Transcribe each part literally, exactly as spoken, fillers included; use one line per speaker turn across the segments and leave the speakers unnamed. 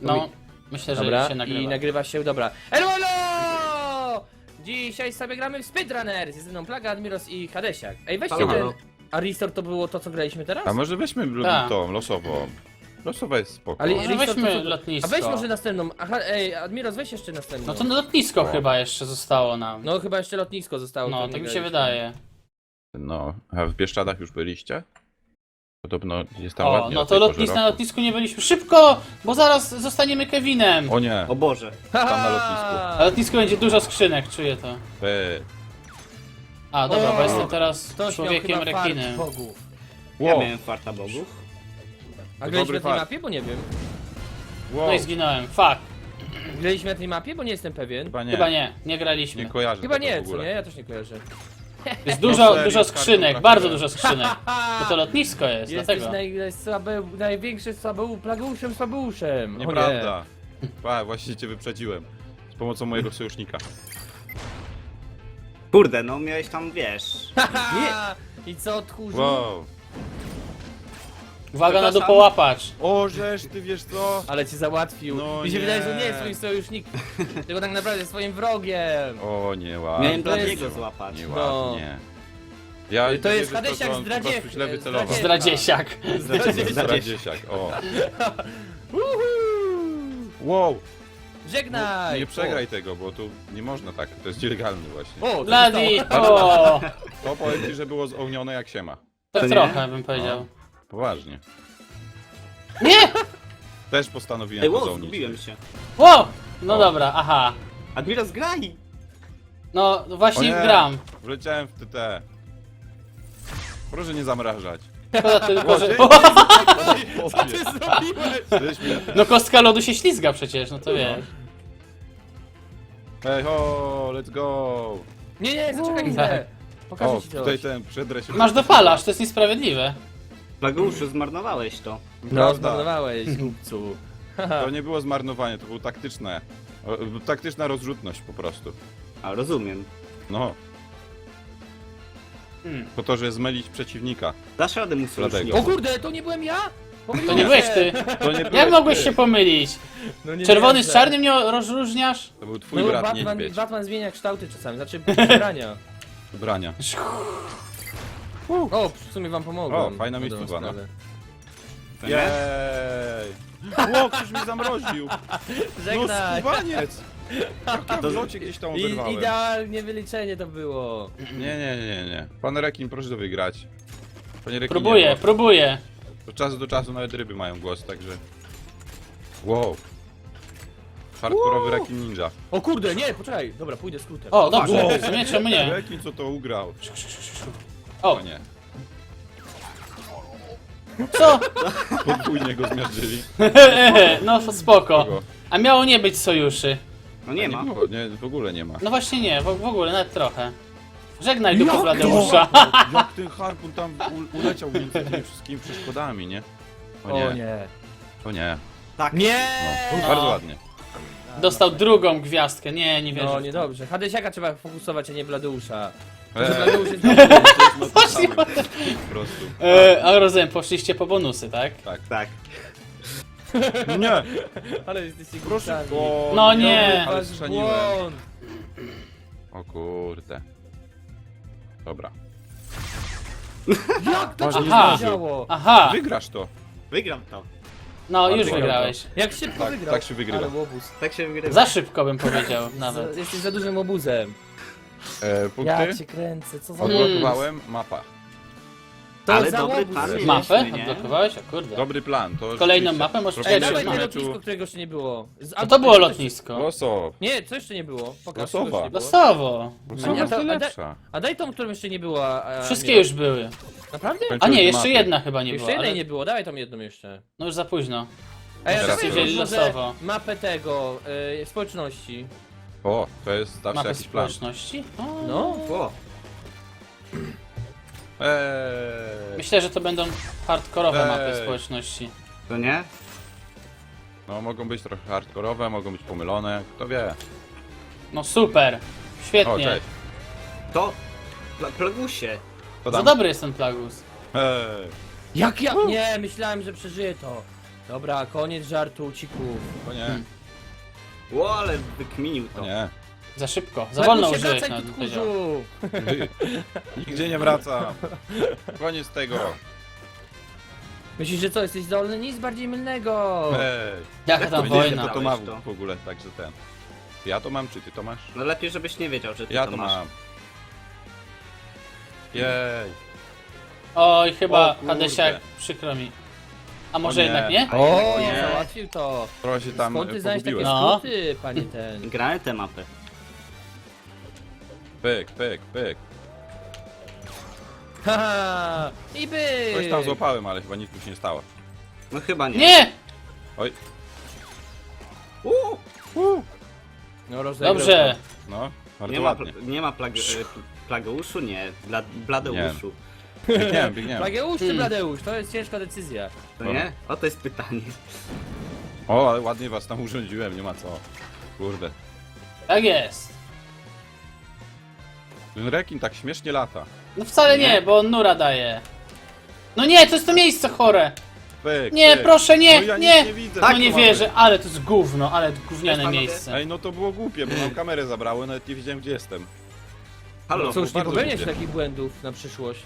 No, myślę, że
Dobra,
się nagrywa.
i nagrywa się, dobra. Elolo! Dzisiaj sobie gramy w Speedrunners. Jest ze mną Plaga, Admiros i Hadesiak. Ej, weźcie
Halo,
ten...
halo.
A Restore to było to, co graliśmy teraz?
A może weźmy l-
Tak.
tą losową. Losowa jest spoko.
Ale-
Może
Restore
weźmy
to co-
lotnisko.
A weź może następną. Aha, ej, Admiros, weź jeszcze następną.
No to lotnisko chyba jeszcze zostało nam.
No chyba jeszcze lotnisko zostało.
No,
to
tak
nie
mi się
graliśmy.
wydaje.
No, a w Bieszczadach już byliście? Podobno jest tam
O,
ładnie.
no
o
to
tej porze
lotnis, na
roku.
lotnisku nie byliśmy. Szybko! Bo zaraz zostaniemy Kevinem.
O nie,
O Boże.
tam na lotnisku.
Na lotnisku będzie dużo skrzynek, czuję to.
Be.
A, dobra,
O,
bo jestem teraz
Ktoś miał
człowiekiem
chyba fart
rekinem.
bogów.
Ja
Wow,
miałem farta bogów.
A
To
graliśmy
dobry
na tej
fart.
mapie? Bo nie wiem.
wow.
No i zginąłem. Fuck.
Graliśmy na tej mapie? Bo nie jestem pewien.
Chyba nie,
Chyba nie, nie graliśmy.
nie kojarzę
Chyba
tego
nie,
w
co
ogóle.
nie? Ja też nie kojarzę.
Jest
No
dużo,
serio,
dużo
z kartą
skrzynek,
trafiłem.
bardzo dużo skrzynek. Bo to lotnisko jest,
Jesteś
dlatego.
naj, najsłabe, największym słabeu, plageuszem, słabeuszem. O nie.
Nieprawda. A, właśnie cię wyprzedziłem. Z pomocą mojego sojusznika.
Kurde, no miałeś tam, wiesz...
Haha! I co, tchórzu?
Wow.
Uwaga na
Przepraszam.
dupołapacz.
O, żeż ty wiesz co?
Ale cię załatwił.
No
Mi się
nie.
wydaje, że nie jest swoim sojusznikiem, tylko tak naprawdę jest swoim wrogiem.
O, nie ładnie.
Miałem
to
dla
jest-
niego złapać.
Nieładnie. Ja
To jest
wierzę w
Hadesiak
że on po
zdradzie-
prostu źle wycelował.
zdradzie-
Zdradziesiak.
Zdradziesiak, o.
Uhu!
Wow,
Żegnaj!
nie przegraj tego, bo tu nie można tak, to jest nielegalny właśnie.
O, o,
Bladi!
to zostało.
O!
To powiem ci, że było zołnione jak się ma.
Tak
To nie?
trochę bym powiedział.
Poważnie.
Nie!
Też postanowiłem
Ej,
to
wow,
zołnić.
zgubiłem się.
O! No
O.
dobra, aha.
Admiros, graj!
No
O
właśnie
nie,
gram.
Wleciałem w T T. Proszę nie zamrażać.
Szkoda tylko, że...
Co ty zrobiłeś?
No kostka lodu się ślizga przecież, no to wiesz.
Hej ho, let's go.
Nie, nie, zaczekaj chwilę. Pokażę
O,
ci
tutaj
coś.
ten przedrę się.
Masz dopalacz, to jest niesprawiedliwe.
Plageuszu, zmarnowałeś to.
No,
Prawda.
zmarnowałeś, głupcu.
To nie było zmarnowanie, to było taktyczne. O, taktyczna rozrzutność po prostu.
A, rozumiem.
No,
Hmm.
po to, żeby zmylić przeciwnika.
Dasz radę mu
Dlatego.
sojuszniku.
O kurde, to nie byłem ja? Pomyliłem
To nie byłeś ty.
To nie
Jak
byłeś
mogłeś
ty.
się pomylić?
No nie
Czerwony
wierzę.
z czarnym nie rozróżniasz?
To był twój
No,
brat
Batman,
niedźwiedź.
Batman zmienia kształty czasami, znaczy przebrania.
Ubrania.
O, w sumie wam pomogłem.
O, fajna
Na dobrą
miejscówka, no.
sprawę.
To nie?
Jej! Ło, ktoś mnie zamroził! No
Żegnaj!
skubaniec! Jak ja w locie gdzieś tam
I,
oberwałem.
idealnie wyliczenie to było.
Nie, nie, nie, nie. Pan Rekin, proszę to wygrać. Panie Rekinie,
Próbuję,
bo
próbuję.
od czasu do czasu nawet ryby mają głos, także... Wow. Hardkorowy Rekin Ninja.
O kurde, nie, poczekaj. Dobra, pójdę skrótem.
O, dobrze, w sumie czemu nie?
Rekin co to ugrał?
O,
O nie.
co?
Podwójnie go zmiażdżyli.
No spoko.
Kogo?
A miało nie być sojuszy.
No nie ma.
było, nie, w ogóle nie ma.
No właśnie nie, w, w ogóle, nawet trochę. Żegnaj duchu Bladeusza.
Jak ten harpun tam u, uleciał między tymi wszystkimi przeszkodami, nie? O nie,
O nie.
o nie.
Tak.
Nie!
No, bardzo ładnie.
Dostał drugą gwiazdkę, nie, nie wierzę.
No
w to.
niedobrze. Hadesiaka trzeba fokusować, a nie Bladeusza.
Eee,
Że Bladeusz jest...
no to samo, po prostu.
E, a rozumiem, poszliście po bonusy, tak?
Tak.
Nie!
Ale jesteście
Proszę.
głupcami.
O,
No nie.
Ale
Wasz
strzeliłem.
błąd.
O kurde. Dobra.
Jak to
Masz
się
Aha.
działo?
Aha,
Wygrasz to.
Wygram to.
no
Ale
już
wygrał
wygrałeś.
Jak szybko
Tak,
wygrał.
tak się wygrywa.
Ale łobuz.
Tak się wygrywa.
Za szybko bym powiedział nawet.
Za, jesteś za dużym obuzem.
E,
Ja
punkty.
cię kręcę, co za...
Odblokowałem mapa.
To
Ale
za
dobry
łobuz
plan
jest.
mieliśmy,
Mapę
nie?
odblokowałeś? O kurde.
Dobry plan. To
Kolejną
rzeczywiście
mapę możesz
Ej,
przejść
dawaj
na
to
meczu.
lotnisko, którego jeszcze nie było. Z-
No to było
coś-
lotnisko.
Loso.
Nie, co jeszcze nie było? Pokaż,
Losowa.
czego jeszcze nie było.
Losowo.
Losowa
A
jest
to- a da-
najlepsza.
A daj tą, którą jeszcze nie było. A, a
Wszystkie
nie.
już były.
Naprawdę?
A nie, jeszcze
Mapy.
jedna chyba nie
Jeszcze
była.
jednej
Ale...
nie było, dawaj tą jedną jeszcze.
No już za późno.
Ej, a
Teraz
dawaj
wzięli
może
losowo.
mapę tego, y, społeczności.
O, to jest zawsze
Mapę
jakiś plan.
społeczności? O.
No.
O,
Eee.
Myślę, że to będą hardkorowe
Ej.
mapy społeczności.
to nie?
No mogą być trochę hardkorowe, mogą być pomylone, kto wie.
No super.
O,
Świetnie.
cześć.
To... Pla Plagusie.
To
Za
tam.
dobry jest ten Plagus.
Eee.
Jak ja? Nie, myślałem, że przeżyję to. Dobra, koniec żartu, cików.
O nie,
Hmm.
Ło, ale wykminił
o
to.
nie.
Za szybko, za wolno
Plagusie,
użyłeś,
wracaj,
nawet bym powiedział.
tutkurzu!
Wy. Nigdzie nie wracam. Koniec tego.
Myślisz, że co, jesteś zdolny? Nic bardziej mylnego!
Ej.
Jaka
Jak
tam
to
Nie wiem,
wojna.
kto to ma
to.
w ogóle, także ten. Ja to mam, czy ty to masz?
No lepiej, żebyś nie wiedział, że ty
Ja
to
to
masz.
mam. Jej.
Oj, chyba
O kurde.
Hadesiak, przykro mi. A może
nie.
jednak nie?
O,
Nie.
załatwił to!
Trochę się tam
Skąd ty znałeś takie
pogubiłem.
No.
skróty, panie ten?
Grałem tę mapę.
Pyk, pyk, pyk.
Haha! I by!
Coś tam złapałem, ale chyba nic tu się nie stało.
No chyba nie.
Nie!
Oj,
Uuu,
No, rozegrał
Dobrze.
no, bardzo
nie ma,
ładnie.
pl- nie ma plag e, plageuszu? Nie. Bla Bladeuszu.
Biegniemy,
to.
biegniemy.
Plageusz czy
Hmm.
Bladeusz? To jest ciężka decyzja.
To nie? O, to jest pytanie.
O, ale ładnie was tam urządziłem, nie ma co. Kurde.
Tak jest.
Ten rekin tak śmiesznie lata.
No wcale nie,
Nie.
bo on nura daje. No nie, to jest to miejsce chore.
Pyk,
Nie,
pyk.
proszę, nie,
no ja
nie.
Nic nie widzę.
No
Tak,
nie
mamy.
wierzę, ale to jest gówno, ale gówniane
Cześć, panowie.
miejsce.
Ej, no to było głupie, bo nam kamerę zabrało, nawet nie wiedziałem gdzie jestem.
Halo.
No
Cóż, nie
bardzo
popełniać
lubię.
takich błędów na przyszłość.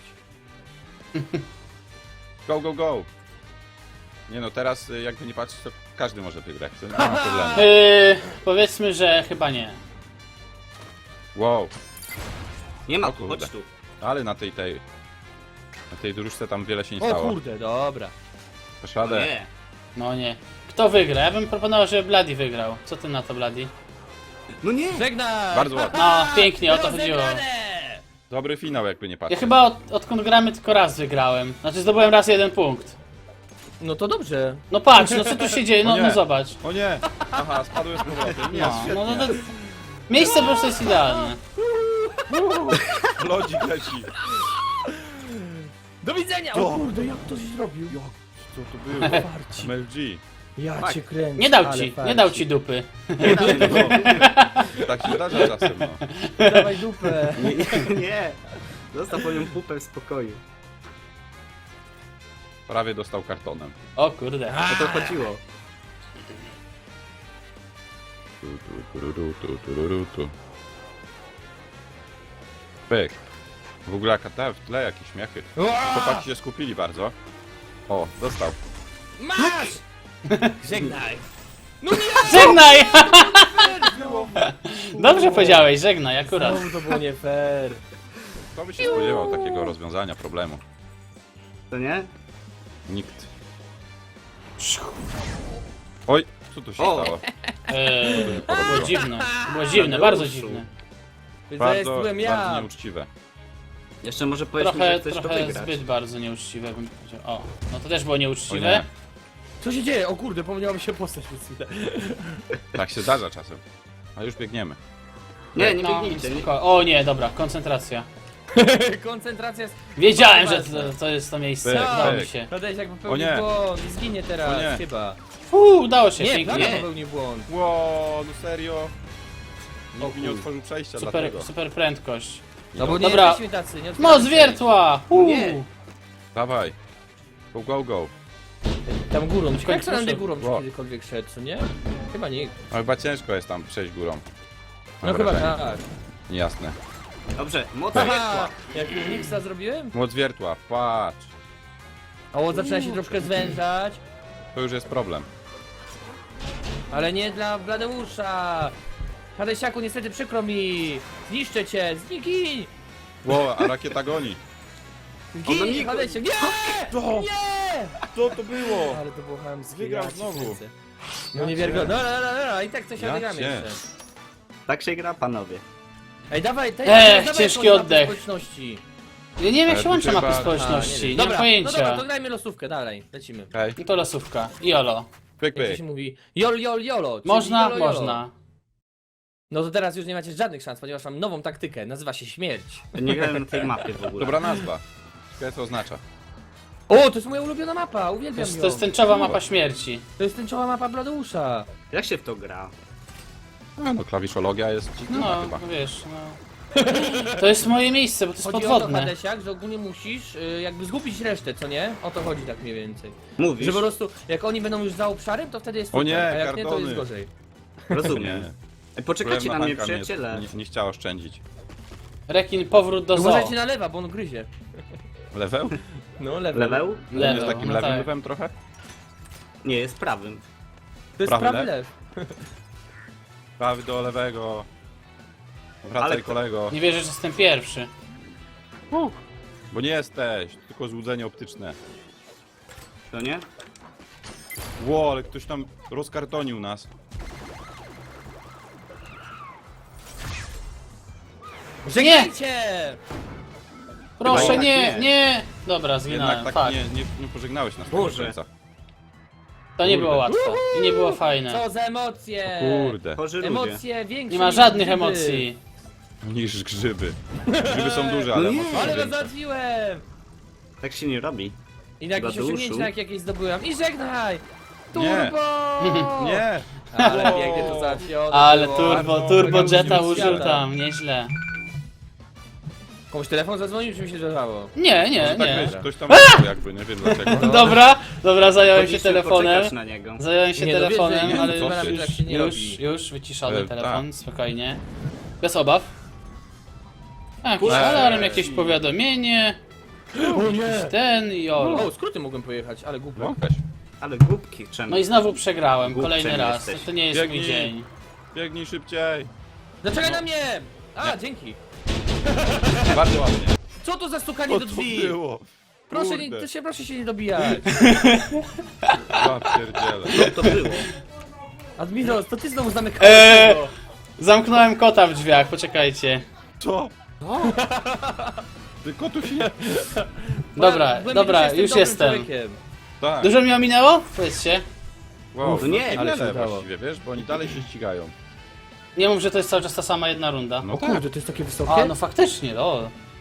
Go, go, go. Nie no, teraz y, jakby nie patrzeć, to każdy może wygrać. To nie ma problemu.
Yy, powiedzmy, że chyba nie.
Wow,
Nie ma,
O kurde.
chodź tu.
ale na tej tej... Na tej dróżce tam wiele się nie
O
stało.
kurde, dobra.
Dasz
No
radę?
nie.
No nie. Kto wygra? Ja bym proponował, żeby Bloody wygrał. Co ty na to, Bloody?
No nie.
Żegnaj!
Bardzo ładnie.
No, pięknie, o to chodziło.
Rozegrane!
Dobry finał jakby nie
Ja
patrzeć.
chyba od, odkąd gramy tylko raz wygrałem. Znaczy zdobyłem raz jeden punkt.
No to dobrze.
No patrz, no co tu się dzieje,
O
no,
nie.
no zobacz.
O nie! Aha, spadłem z powrotem. Nie,
No,
świetnie.
no, no to... Miejsce po prostu jest idealne.
Lodzik leci.
Do widzenia!
To.
O kurde, jak to zrobił?
Co to było?
Farci.
M L G.
Ja
Tak.
cię kręcę.
Nie dał
ale
ci,
farci.
nie dał ci dupy.
Tak się zdarza czasem, no.
Dawaj dupę.
Nie, nie, nie. Zostaw moją pupę w spokoju.
Prawie dostał kartonem.
O kurde.
O to chodziło.
Tu, tu, tururu, tu, tururu, tu. Pyk. W ogóle jaka ta w tle jakieś śmiechy. Chłopaki się skupili bardzo. O, dostał.
Masz! Żegnaj.
Żegnaj! Dobrze powiedziałeś, żegnaj, akurat.
Znowu to było nie fair.
Kto by się spodziewał takiego rozwiązania problemu?
To nie?
Nikt. Oj, co tu się
O.
stało?
Eee, to było dziwne, to było dziwne,
Tadeuszu.
bardzo dziwne.
To jest
Bardzo,
byłem
bardzo
ja.
nieuczciwe.
Jeszcze może powiedzmy,
Trochę,
że chcesz to
trochę
wygrać.
zbyt bardzo nieuczciwe bym powiedział. O, no to też było
O
nieuczciwe.
nie,
Co się dzieje? O kurde, pomniała mi się postać przez chwilę.
tak się zdarza czasem. A już biegniemy.
Nie, nie
No,
biegnijcie. Nie.
spoko- o nie, dobra, koncentracja.
Koncentracja jest...
Wiedziałem, że
Bardzo
to, to jest to miejsce,
Pyk,
udało mi
pyk.
się.
Radeś jak
O
popełnił
nie.
błąd i zginie teraz,
O nie.
chyba.
Uuu, udało się,
Nie,
pięknie.
Plaga
Nie.
popełnił błąd.
Ło, no serio?
O
Nikt mi nie
kur-
otworzył przejścia
Super,
dlatego.
super prędkość.
No bo nie
Dobra.
jesteśmy tacy, nie otwieramy
Moc wiertła!
Nie.
Uuu.
Dawaj. Go, go, go.
się. Tam górą, ciekawe jak
końcu
to nade
szedł.
górą czy
Wow.
kiedykolwiek szedł, co nie? Chyba nie.
No chyba ciężko jest tam przejść górą. Mam
No chyba
wrażenie.
tak.
Niejasne.
Dobrze, moc
Haha,
wiertła.
jak Uniksa zrobiłem?
Moc wiertła, patrz.
O, zaczyna się troszkę zwężać,
To już jest problem.
ale nie dla Bladeusza. Hadesiaku, niestety przykro mi. Zniszczę cię, zniknij!
Ło, a rakieta goni.
Ona
Zginij,
nie-
Hadesiak, nie!
To,
Nie!
to, to było.
Ale to było chamskie.
Wygrał
ja cię
znowu.
kręcę. No nie wiarygodne. No, no, no, no, no, i tak coś
Ja
odegramy
cię.
jeszcze.
Tak się gra, panowie.
Ej, dawaj, tej,
Ech,
dawaj
ciężki
jakąś mapę
oddech.
społeczności.
Ja nie wiem jak
Ale
się łączy
tu
mapy
chyba-
A,
społeczności,
nie
nie,
wiem.
mam
Dobra, no dobra,
pojęcia.
to grajmy losówkę, dalej, lecimy.
Hej,
No to losówka. Jolo.
pyk,
Jak to
pyk.
się mówi? Jol, jol, jolo. czyli
Można?
jolo, jolo.
Można.
No to teraz już nie macie żadnych szans, ponieważ mam nową taktykę, nazywa się śmierć.
Nie grałem na tej mapie w ogóle.
Dobra nazwa. Ciekawe co oznacza.
O, to jest moja ulubiona mapa,
To
uwielbiam
jest,
ją.
to jest tęczowa mapa śmierci.
To jest tęczowa mapa Bladeusza.
Jak się w to gra?
A, no klawiszologia jest dziwna
No,
chyba.
no wiesz, no. To jest moje miejsce, bo to jest
Chodzi o to,
podwodne.
Hadesiak, że ogólnie musisz y, jakby zgubić resztę, co nie? O to chodzi tak mniej więcej.
Mówisz?
Że po prostu, jak oni będą już za obszarem, to wtedy jest
O
super,
nie,
a jak nie, to
kartony.
jest gorzej.
Rozumiem.
Nie.
Ej, Poczekajcie na mnie,
Królewna Hanka
przyjaciele.
Nie, nie, nie chciała oszczędzić.
Rekin, powrót do zoo.
Uważajcie na lewa, bo on gryzie.
Leweł?
No, lewa.
Leweł?
Lewo,
Jest takim
no
lewym
tak.
lewem trochę?
Nie, jest prawym.
To jest
Prawy
prawy
lew?
lew.
Prawy do lewego. Wracaj
Ale-
kolego.
Nie wierzę, że jestem pierwszy.
Bo nie jesteś, tylko złudzenie optyczne.
To nie?
Ło, ale ktoś tam rozkartonił nas.
Żegnajcie!
Proszę,
Chyba
nie,
jednak
nie,
nie.
Dobra, zginąłem,
Jednak tak
fuck.
nie, nie, nie pożegnałeś nas
Boże.
do końca.
To nie
Kurde.
było łatwo i nie było fajne.
Co za emocje!
Kurde.
Chorzy ludzie.
Emocje większe
Nie ma
niż
żadnych
grzyby.
emocji.
Niż grzyby. Grzyby są duże, ale
No nie.
emocje są
Ale go
większe.
załatwiłem!
Tak się nie robi.
I na jakieś
Tadeuszu?
osiągnięcie jak jakieś zdobyłem. I żegnaj!
Nie.
Turbo!
Nie!
Ale
O.
pięknie to załatwione
Ale
było.
turbo,
Bardzo
turbo
mega
jeta
luźny
użył
świata.
tam, nieźle.
Komuś telefon zadzwonił, czy mi się zdarzało?
Nie, nie,
Tak
nie.
wiesz, ktoś tam był jakby, nie wiem dlaczego.
Dobra, dobra, zająłem się
Powinniśmy
telefonem.
poczekać na niego.
Zająłem się
Nie, no wiesz,
telefonem,
że
ale
nie,
już,
co ty?
już,
Tak się nie
już,
robi.
już wyciszony
E,
telefon, spokojnie. Bez obaw. A, jakiś
Eee.
alarm, jakieś powiadomienie,
O nie!
ten i olo.
O, skróty mogłem pojechać, ale głupio.
No, weź.
Ale głupki czemu?
No i znowu przegrałem,
Głupcem
kolejny raz.
jesteś.
To nie jest mój
Biegnij.
dzień.
Biegnij szybciej.
Zaczekaj na mnie! A, dzięki.
Bardzo ładnie.
Co to za stukanie
Co
do
to
drzwi?
było?
Proszę,
Kurde.
nie, to się, proszę się nie dobijać.
Ja pierdzielę.
Co to było?
Admiros, to ty znowu zamykałeś
Eee.
tego.
Zamknąłem kota w drzwiach, poczekajcie.
Co? Ty kotów nie...
Dobra,
Głębiej
dobra,
jestem
już
dobrym
jestem.
człowiekiem.
Tak.
Dużo mi ominęło? Powiedzcie.
Wow,
No nie,
ale
ale się
niewiele
udało.
właściwie, wiesz, bo oni dalej się ścigają.
Nie mów, że to jest cały czas ta sama jedna runda.
No
O
tak.
kurde, to jest takie wysokie?
A, no faktycznie, no.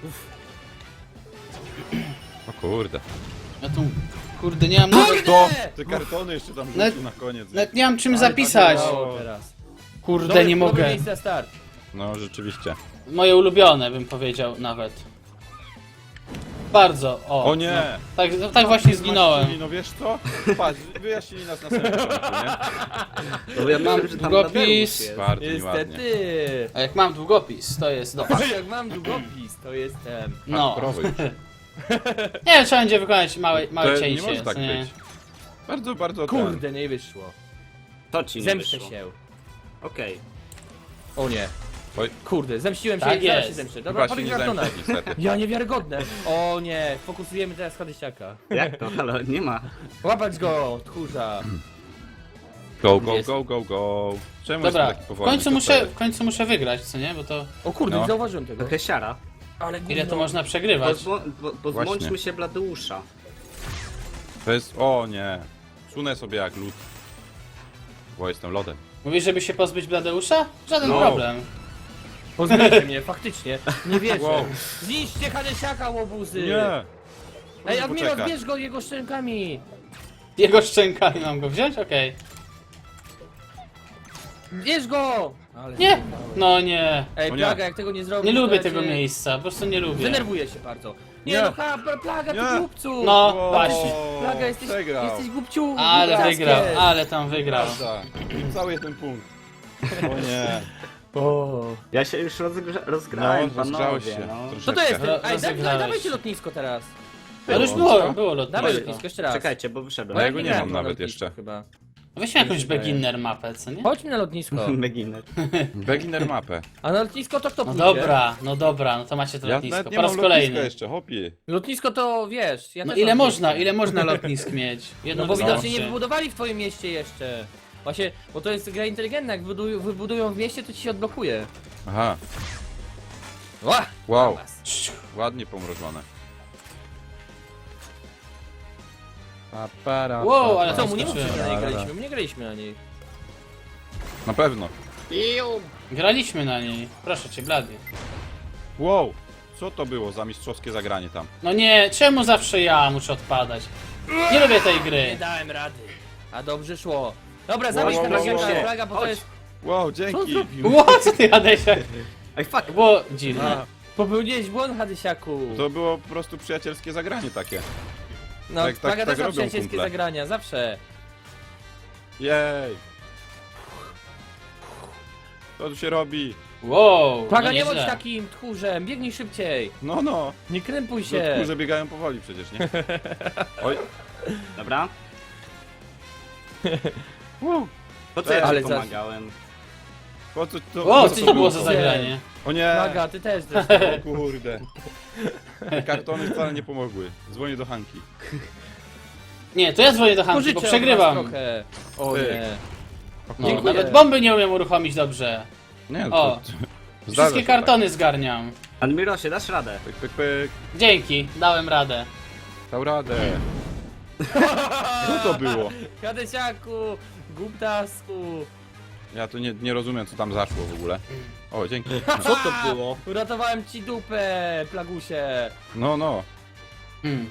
O kurde.
Ja tu, kurde, nie mam...
Kurde!
To! Te kartony jeszcze tam
Nawet-
rzucił na koniec.
Nawet nie mam czym
Ale
zapisać.
tak działało teraz.
Kurde,
Dobre-
nie
dobre
mogę.
miejsce na start.
No rzeczywiście.
Moje ulubione, bym powiedział nawet. Bardzo, o.
O nie!
No, tak, no, tak właśnie zginąłem.
Zmaścili, no wiesz co? Patrz, wyjaśnili nas na samym początku, nie?
No ja
Mam
myślę, że tam
długopis.
Tadeusz jest.
Bardzo nieładnie.
Niestety.
A jak mam długopis, to jest do...
Jak mam długopis, to jestem.
No.
Hardkorowy już.
Nie, trzeba będzie wykonać małe, małe
To nie
cięcie.
może tak
co nie?
być. Bardzo, bardzo ten.
Kurde, nie wyszło.
To ci nie
Zemszczę
wyszło.
się.
Okej.
O nie.
Oj,
Kurde, zemściłem się
Tak
i zaraz się
jest.
zemszczę.
chyba
Dobra,
się
powiedz
nie
kartona.
zemścisz niestety.
Ja niewiarygodne. O nie, fokusujemy teraz Hadesiaka.
Jak to? Ale nie ma.
Łapać go, tchórza.
Go, go,
Jest.
go, go, go. Czemu
Dobra,
jestem taki
w
powolny?
końcu,
Co to
muszę,
jest?
w końcu muszę wygrać, co nie? Bo to...
O kurde,
No.
nie zauważyłem tego.
Trochę siara.
Ale
Ile to
gówno.
można przegrywać?
Pozwo- po- Pozbądźmy
Właśnie.
się Bladeusza.
To jest... O nie. Sunę sobie jak lód. Bo jestem lodem.
Mówisz, żeby się pozbyć Bladeusza? Żaden
No.
problem.
Pozbyjcie mnie, faktycznie. Nie wierzę.
Wow.
Zniszczcie Hadesiaka, łobuzy.
Nie!
Ej,
Proszę
Admiros,
poczekać.
bierz go jego szczękami.
Jego szczękami mam go wziąć? Okej.
Bierz go. Ale
Nie! No nie.
Ej,
O nie.
Plaga, jak tego nie zrobisz,
Nie
to
lubię
ja
tego
cię-
miejsca, po prostu nie lubię.
Denerwuję się bardzo. Nie,
Nie.
no ha, pla- Plaga, ty
Nie.
głupcu.
No,
Wow.
właśnie.
Plaga, jesteś,
Przegrał.
jesteś głupciu.
Ale
głuptaskiem.
wygrał, ale tam wygrał.
Prawda. Cały jeden punkt. O nie.
O.
Ja się już rozgrza rozgrałem,
No, rozgrzałeś
panowie.
się.
No.
Co to jest?
Ro-
Ej, da, da,
rozegrałeś
dawajcie
się.
lotnisko teraz.
Ale już
Było.
było, było
Dawaj
lotnisko.
lotnisko jeszcze raz.
Czekajcie, bo wyszedłem.
No ja go nie
grałem
mam
na
nawet
lotnisku
jeszcze.
Chyba.
Weźmy jakąś
Wydaje.
beginner mapę, co nie?
Chodźmy na lotnisko.
Beginner.
Beginner mapę.
A na lotnisko to kto
No
pójdzie?
dobra, no dobra, no to macie to
Ja
lotnisko.
nawet nie
Po raz
mam lotniska
kolejny.
jeszcze, hopie.
Lotnisko to wiesz, ja
No
też
ile
mam
można,
miejsce.
ile można lotnisk mieć? Jedno
No bo
wystarczy.
widocznie nie wybudowali w twoim mieście jeszcze. Właśnie, bo to jest gra inteligentna, jak wybudują, wybudują w mieście, to ci się odblokuje.
Aha.
Ła!
Wow.
Ciu.
Ładnie pomrożone. Pa, para,
Wow,
pa,
ale
pa,
Co, mu nie
pa,
mówcie, że na niej
pa,
graliśmy, my nie graliśmy na niej.
Na pewno.
Graliśmy na niej. Proszę cię, Blady.
Wow. Co to było za mistrzowskie zagranie tam?
No nie, czemu zawsze ja muszę odpadać? Nie lubię tej
Nie
gry.
dałem rady. A dobrze szło. Dobra, zabierz
wow,
ten
wow,
wow,
wow.
plaga, bo to
Chodź.
jest...
Wow,
Co on
dzięki.
zrobił?
Ło, co ty, Adesiak?
Ej, fuck!
To było dziwne.
A, popełniłeś błąd, Hadysiaku.
To było po prostu przyjacielskie zagranie takie.
No,
tak- tak-
Plaga
tak
też ma
robią
przyjacielskie
kumple.
zagrania, zawsze.
Jej! Co tu się robi?
Wow,
Plaga,
no
nie bądź
nieźle.
takim tchórzem, biegnij szybciej.
No, no.
Nie krępuj się.
No, że biegają powoli przecież, nie? Oj.
Dobra.
Uu.
Po co ja
Ale
ci
za-
pomagałem?
Po co to,
O,
po
co
co
to było za
było?
zagranie?
O nie!
Plaga, ty też zresztą.
O kurde. Te kartony wcale nie pomogły. Dzwonię do Hanki.
Nie, to ja dzwonię do Hanki, bo
Pożyczę od
przegrywam.
was trochę. O
Ty.
nie.
No,
Dziękuję.
nawet bomby nie umiem uruchomić dobrze.
Nie,
O,
to, to, zdarza
Wszystkie
się
kartony zgarniam.
Admirosie, dasz radę?
Tak. Pyk, pyk, pyk.
Dzięki, dałem radę.
Dał radę. Co to było?
Hadysiaku, głuptasku.
Ja tu nie, nie rozumiem, co tam zaszło w ogóle. O, dzięki.
Co to było?
Uratowałem ci dupę, Plagusie.
No, no.
Hmm.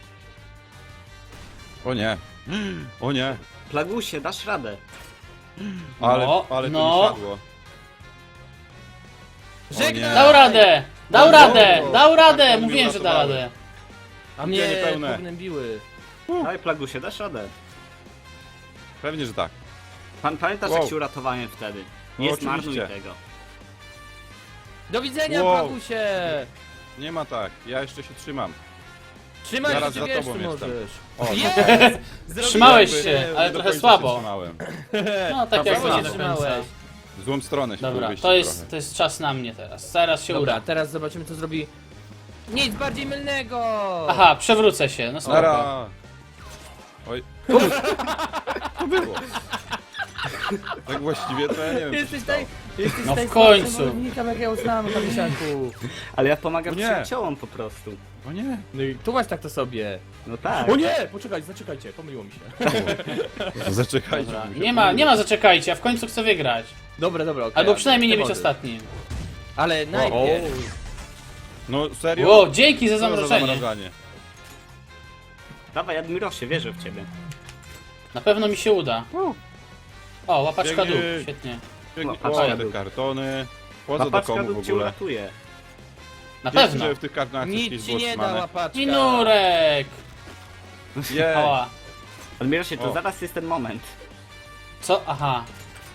O nie. O nie.
Plagusie, dasz radę?
Ale,
No,
ale to
no.
mi siadło.
Żegnaj!
Dał radę! Dał
No,
radę!
no,
Dał radę!
kartony
Mówiłem, że da
uratowały.
radę.
A mnie
niepełne.
pognębiły.
Daj, Plagusie, dasz radę?
Pewnie, że tak.
Pan pamiętasz,
Wow.
jak ci uratowałem wtedy? Nie
No,
zmarnuj
oczywiście.
tego.
Do widzenia,
Wow.
Plagusie.
Nie ma tak. Ja jeszcze się trzymam.
Trzymaj
Zaraz
się,
za
wiesz,
tobą
tu
jestem.
możesz.
O,
Jest! Zrobiłem
Trzymałeś
to.
się, ale
Nie do
trochę
końca
słabo.
się trzymałem.
No tak jak
Dobra,
nie do końca.
trzymałeś.
W złą stronę się
Dobra,
wyjść
to jest,
trochę.
to jest czas na mnie teraz. Zaraz się
Dobra,
uda.
teraz zobaczymy, co zrobi. Nic bardziej mylnego!
Aha, przewrócę się, no spoko.
Nara. Oj. To było. Tak właściwie to ja nie wiem, co się
Jesteś
stało.
taj... Jesteś
No w
taj-
końcu.
zawodnikiem, jak ja uznałem, Hadysiaku.
Ale ja pomagam
O nie.
przyjaciołom po prostu.
O nie.
No i tu masz tak to sobie.
No tak.
O nie! Poczekajcie, zaczekajcie, pomyliło mi się.
Zaczekajcie.
Dobra.
mi się
Nie ma,
pomyliło.
nie ma zaczekajcie, ja w końcu chcę wygrać.
Dobra, dobra, okej.
Albo
ale
przynajmniej nie
ty
być
możesz.
ostatnim.
Ale najpierw...
No serio?
Ło, dzięki za
Co za
zamrożenie.
zamrażanie?
Dawaj, Admirosie, wierzę w ciebie.
Na pewno mi się uda. O, łapaczka dół,
Biegnij.
świetnie.
Biegnij-
Łapaczka
O, te
dół.
kartony. Po co do
Papaczka
komu w
lub cię
ogóle?
uratuje.
Na
Wiecie,
pewno.
że w tych kartonach coś
Nic ci
było
nie da
trzymane?
łapaczka.
Minurek!
Jej.
Ała.
Admirosie, to
O.
zaraz jest ten moment.
Co? Aha.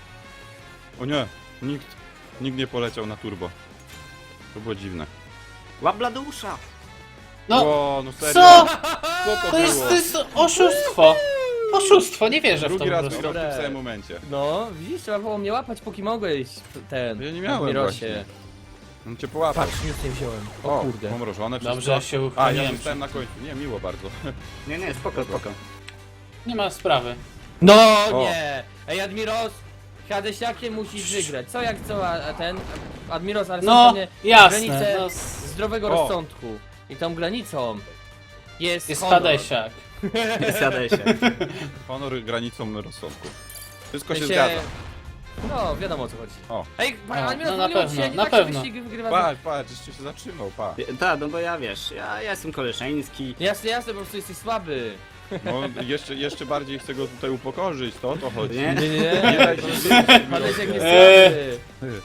O nie. Nikt, nikt nie poleciał na turbo. To było dziwne.
Łap Bladeusza!
No,
O, no serio?
co?
Co to,
To jest,
było?
to jest oszustwo. Oszustwo, nie wierzę w to
Drugi
po
raz
prostu.
wygrał w tym
Dobre.
samym momencie.
No, widzisz, trzeba było mnie łapać, póki mogłeś ten...
Ja nie miałem
Admirosie.
On cię połapał.
Patrz, nic nie wziąłem. O,
O,
kurde.
pomrożone wszystko.
Dobrze, ja się
A, ja
uchroniłem.
zostałem na końcu. Nie, miło bardzo.
Nie, nie, spoko, spoko.
Nie ma sprawy.
No
O.
nie! Ej, Admiros! Hadysiakiem musisz wygrać. Co jak co, a, a ten... Admiros, ale są
No,
pewnie
jasne.
granice
No, s-
zdrowego
O.
rozsądku. I tą granicą jest
jest
honor.
Hadesiak.
Zjadaj się.
Honor granicą rozsądku. Wszystko się
się-
zgadza.
No, wiadomo o co chodzi.
O,
Ej,
No,
Admiros,
no na
pomyliło
pewno,
się, nie
na
tak się
pewno.
wyścigi wygrywa.
patrz, patrz, jeszcze się zatrzymał, pa.
Tak, no bo ja wiesz, ja, ja jestem koleżeński.
Jasne, jasne, po prostu jesteś słaby.
No, jeszcze, jeszcze bardziej chcę go tutaj upokorzyć, to o to chodzi.
Nie?
Nie, nie,
Nie
nie.
daj się zjeść,
Hadesiak jest
Eee.
słaby.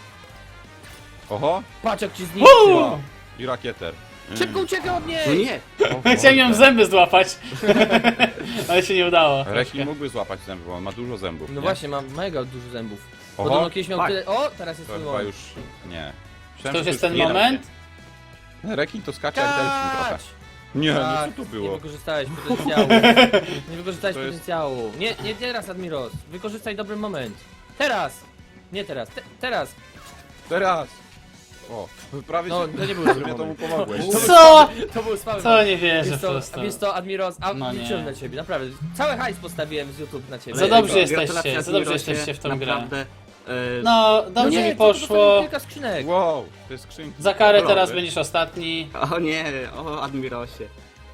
Oho,
Patrz jak ci zniszczył.
Uuu!
i rakieter.
Szybko uciekaj od niej!
No nie!
O,
Chciałem ją w zęby złapać. Ale się nie udało.
Rekin mógłby złapać zęby, bo on ma dużo zębów.
No
nie?
właśnie, mam mega dużo zębów.
Oho,
Podobno kiedyś miał
tak.
tyle... O, teraz jest
to
twój
chyba
moment.
już nie.
To
Myślałem,
już
że
jest ten
nie da
moment?
się. Rekin to skacze jak delfin trochę.
Kać!
Nie, no
Tak,
co to
Nie
było?
wykorzystałeś potencjału. Nie wykorzystałeś
To jest-
potencjału. Nie, nie teraz, Admiros. Wykorzystaj dobry moment. Teraz! Nie teraz, te, teraz!
Teraz! O, prawie
No,
się...
to nie był
że
dobry
mnie temu
moment.
pomogłeś.
Co?
To był słaby
Co
moment.
nie wierzę
Wiesz
po
co,
prostu.
wiesz co, Admiros, a
No nie.
liczyłem na ciebie, naprawdę. Cały hajs postawiłem z YouTube na ciebie.
Za dobrze
Gratulacje,
jesteście, za dobrze
Admirosie,
jesteście w tą grę.
naprawdę, e,
No,
No
dobrze
nie,
mi
to dostałem
poszło.
kilka skrzynek.
Wow, to jest skrzynki.
Za karę
Dobra,
teraz
wy-
będziesz ostatni.
O nie, o Admirosie.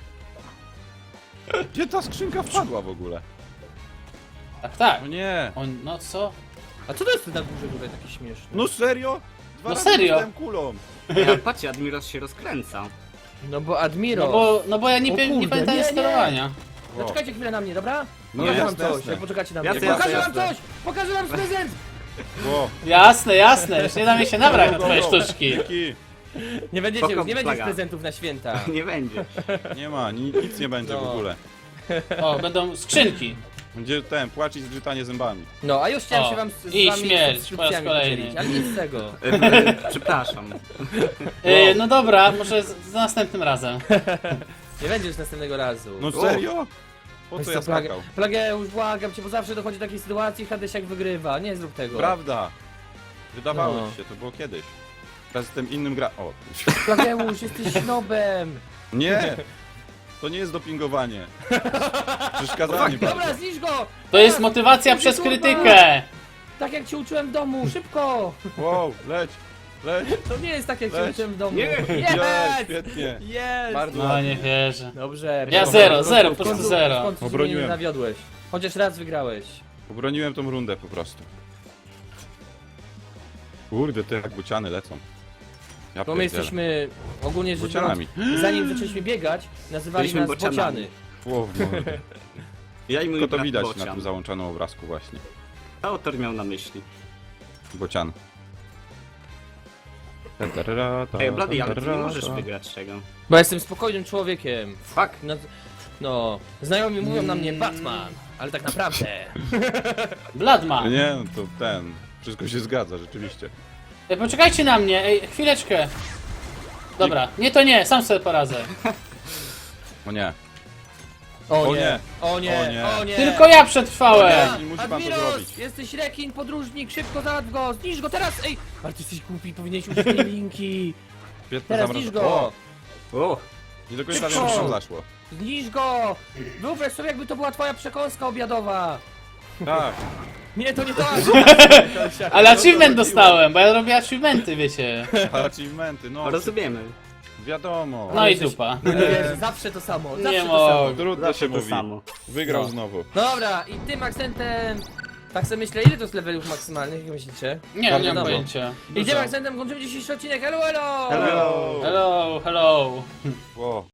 Gdzie ta skrzynka wpadła w ogóle?
Tak, tak.
No nie.
On, no co?
A co to jest na górze tutaj taki śmieszny?
No serio? Dwa
No
razy
serio?
dostałem kulą.
Ej, ale patrzcie, Admiros się rozkręca.
No bo Admiros...
No bo, no bo ja nie,
O
pie- nie
kurde,
pamiętam
nie, nie.
sterowania.
Zaczekajcie chwilę na mnie, dobra?
No
Pokażę wam
jasne,
coś,
jasne.
jak poczekacie na mnie.
Jasne,
Pokażę
jasne,
wam
jasne.
coś! Pokażę wam prezent!
Ło.
Jasne, jasne, już nie da mi się nabrać na twoje sztuczki.
Dzięki.
Nie będziecie,
Spoko,
nie będziesz
plaga.
prezentów na święta.
Nie będzie.
Nie ma, ni nic nie będzie w
No.
ogóle.
O, będą skrzynki.
Będzie ten, płacz i zgrzytanie zębami.
No, a już chciałem
O,
się wam z, z
i
wami
śmierć
subskrypcjami
po raz kolejny.
podzielić, ale nic z tego.
E, e, Przepraszam.
Yy, no dobra, może z, z następnym razem.
Nie będzie już następnego razu.
No serio? Po
Weź
co
co,
ja
Plage-
skakał?
Plageusz, błagam cię, bo zawsze dochodzi do takiej sytuacji, Hadesiak wygrywa, nie zrób tego.
Prawda. Wydawało
No.
ci się, to było kiedyś. Teraz jestem innym gra... O.
Plageusz, jesteś snobem.
Nie! To nie jest dopingowanie. Przeszkadzanie bardzo.
Dobra, zniszcz go!
To jest motywacja przez krytykę.
Tak jak cię uczyłem w domu, szybko!
Wow, leć, leć,
To nie jest tak jak cię
Leć.
uczyłem w domu.
Nie.
jest,
Jest!
świetnie.
Jest!
Bardzo
No
ładnie.
nie wierzę.
Dobrze.
Ja
w
zero,
końcu-
zero,
w
po prostu
końcu-
zero.
W końcu
Obroniłem.
mnie nie nawiodłeś. Chociaż raz wygrałeś.
Obroniłem tą rundę po prostu. Kurde, te jak buciany lecą. Ja
Bo my
pierdzielę.
jesteśmy ogólnie rzecz
Bocianami.
biorąc, zanim zaczęliśmy biegać, nazywali
Byliśmy
nas
bocianami.
bociany.
Ło, w mordę.
Ja i mój
Tylko to
brat
widać
Bocian.
na tym załączonym obrazku właśnie.
Co autor miał na myśli?
Bocian.
Ej, Blady, ale ty nie możesz wygrać tego.
Bo jestem spokojnym człowiekiem.
Fuck.
No, no znajomi mówią na mnie Batman, ale tak naprawdę.
Bladman.
Nie, no to ten. Wszystko się zgadza, rzeczywiście.
Ej, poczekajcie na mnie, ej, chwileczkę. Dobra, nie to nie, sam sobie poradzę.
O nie.
O
O
nie,
nie.
o nie,
O nie.
o nie.
Tylko ja przetrwałem.
Nie musi pan to
Admiros,
zrobić.
jesteś rekin, podróżnik, szybko załatw go, zniszcz go teraz, ej! Ale ty jesteś głupi, powinieneś użyć tej linki.
Świetne
Teraz
zamraża-
zniszcz go,
O,
O,
nie do końca wiem,
Szybko.
co tam zaszło.
zniszcz go! Wyobraź sobie, jakby to była twoja przekąska obiadowa.
Tak.
Nie, to nie to.
Ale achievement dostałem, bo ja robię achievementy, wiecie.
Achievementy, no.
rozumiemy.
Wiadomo.
No i
jesteś-
dupa.
No nie wiesz, zawsze to samo, zawsze
Nie
to samo.
mogę.
Trudno
Zawsze
się
to
mówi.
samo.
Wygrał
No.
znowu.
No dobra, i tym akcentem... Tak sobie myślę, ile to jest levelów maksymalnych, jak myślicie?
Nie, nie
Bardzo
mam
dobrze.
pojęcia.
I tym
Dużo.
akcentem kończymy dzisiejszy odcinek, hello, hello!
Hello.
Hello, hello.
Wow.